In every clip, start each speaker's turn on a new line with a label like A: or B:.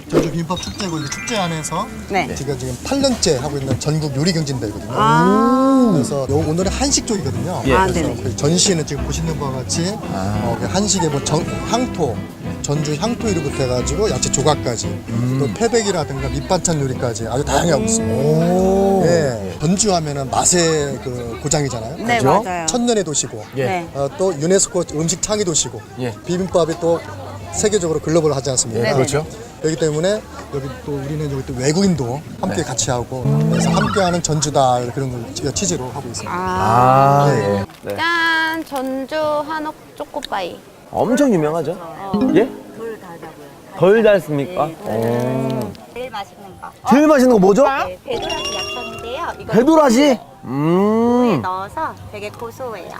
A: 전주 비빔밥 축제고 이 축제 안에서
B: 네.
A: 지금 8년째 하고 있는 전국 요리 경진대회거든요. 그래서 오늘은 한식쪽이거든요.
B: 예. 아,
A: 그래서
B: 네네.
A: 그 전시에는 지금 보시는 바와 같이 그 한식의 뭐 향토, 전주 향토 요리부터 해가지고 야채 조각까지 또 태백이라든가 밑반찬 요리까지 아주 다양하게 하고 있습니다. 예. 전주 하면은 맛의 그 고장이잖아요.
B: 네,
A: 그죠?
B: 맞아요.
A: 천년의 도시고
B: 예. 네.
A: 또 유네스코 음식 창의 도시고
C: 예.
A: 비빔밥이 또 세계적으로 글로벌 하지 않습니까?
B: 네네.
C: 그렇죠.
A: 그렇기 때문에 여기 또 우리는 여기 또 외국인도 함께 같이 하고 그래서 함께하는 전주달 그런 걸 취지로 하고 있습니다.
B: 아.
C: 예. 네.
B: 짠! 전주 한옥 초코바이.
C: 엄청 유명하죠? 예? 덜 달다고요. 덜 달습니까?
D: 제일 맛있는 거.
C: 제일 맛있는 거 뭐죠?
D: 네, 배도라지 약천인데요. 이거
C: 배도라지?
D: 물에 넣어서 되게 고소해요.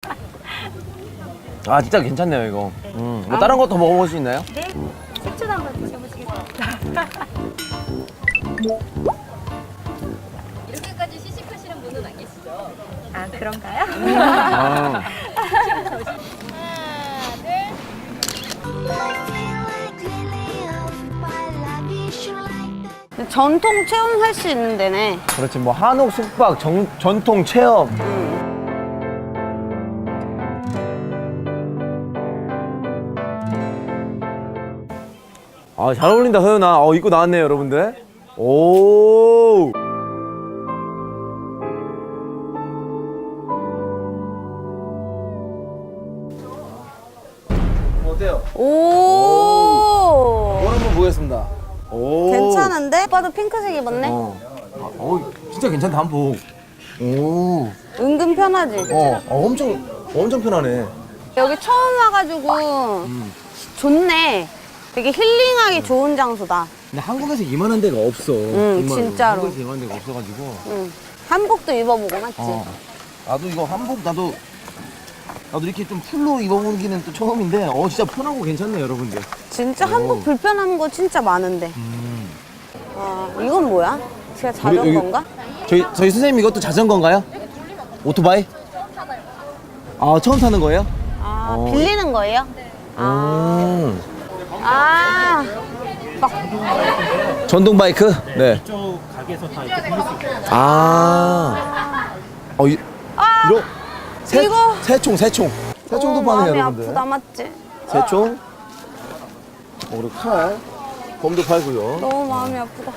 C: 아, 진짜 괜찮네요, 이거. 뭐 다른 것도 먹어볼 수 있나요?
D: 네, 식초도 한번 드셔보시겠어요?
E: 이렇게까지 시식하시는 분은 안 계시죠?
D: 아, 그런가요?
C: 아.
B: 전통 체험할 수 있는 데네.
C: 그렇지, 뭐 한옥 숙박 전통 체험. 아, 잘 어울린다, 서연아. 입고 나왔네요, 여러분들. 오. 어때요?
B: 오.
C: 이걸 한번 보겠습니다. 오.
B: 괜찮은데? 오빠도 핑크색 입었네?
C: 진짜 괜찮다, 한복. 오.
B: 은근 편하지?
C: 엄청 편하네.
B: 여기 처음 와가지고 좋네. 되게 힐링하기 좋은 장소다.
C: 근데 한국에서 이만한 데가 없어. 정말로.
B: 진짜로.
C: 한국에서 이만한 데가 없어가지고.
B: 응. 한복도 입어보고 맞지?
C: 나도 이거 한복 나도 이렇게 좀 풀로 입어보기는 또 처음인데 진짜 편하고 괜찮네 여러분들.
B: 진짜 한복 불편한 거 진짜 많은데. 이건 뭐야? 제가 자전거인가?
C: 저희 선생님 이것도 자전거인가요? 오토바이? 아 처음 타는 거예요?
B: 빌리는 거예요? 막
C: 전동 바이크? 네. 이쪽 가게에서 다 이렇게 빌릴 수 있어요. 이거
B: 이거
C: 새총도 파는
B: 마음이
C: 여러분들.
B: 아프다 맞지?
C: 새총. 그리고 칼. 검도 팔고요.
B: 너무 마음이 아프다.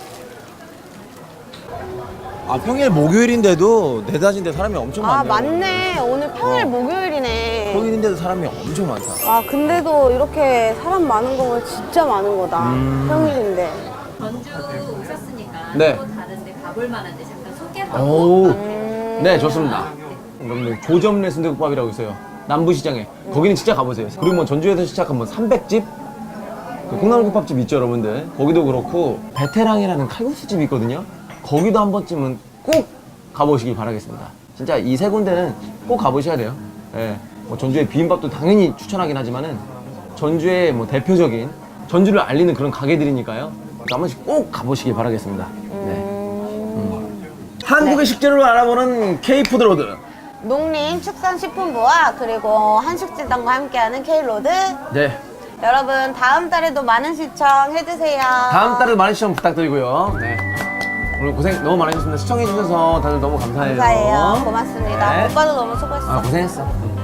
C: 평일 목요일인데도 대다진데 사람이 엄청 많네요.
B: 맞네. 오늘 평일 목요일이네.
C: 평일인데도 사람이 엄청 많다.
B: 근데도 이렇게 사람 많은 거 보면 진짜 많은 거다. 평일인데.
E: 전주 오셨으니까
C: 네.
E: 또 다른데 가볼 만한데 잠깐 소개 한번.
C: 오. 네, 좋습니다. 그럼 조점내 순대국밥이라고 있어요. 남부시장에. 거기는 진짜 가보세요. 그리고 뭐 전주에서 시작한 뭐 300집? 그 콩나물국밥집 있죠, 여러분들. 거기도 그렇고 베테랑이라는 칼국수집이 있거든요. 거기도 한 번쯤은 꼭 가보시길 바라겠습니다. 진짜 이 세 군데는 꼭 가보셔야 돼요. 예. 뭐 전주의 비빔밥도 당연히 추천하긴 하지만은 전주의 뭐 대표적인 전주를 알리는 그런 가게들이니까요. 한 번씩 꼭 가보시길 바라겠습니다. 네. 한국의 식재료를 알아보는 K푸드로드.
B: 농림축산식품부와 그리고 한식재단과 함께하는 K로드.
C: 네.
B: 여러분 다음 달에도 많은 시청해주세요.
C: 다음 달에도 많은 시청 부탁드리고요. 네. 오늘 고생 너무 많으셨습니다. 시청해주셔서 다들 너무 감사해요.
B: 감사해요. 고맙습니다.
C: 네.
B: 오빠도 너무 수고했어.
C: 고생했어.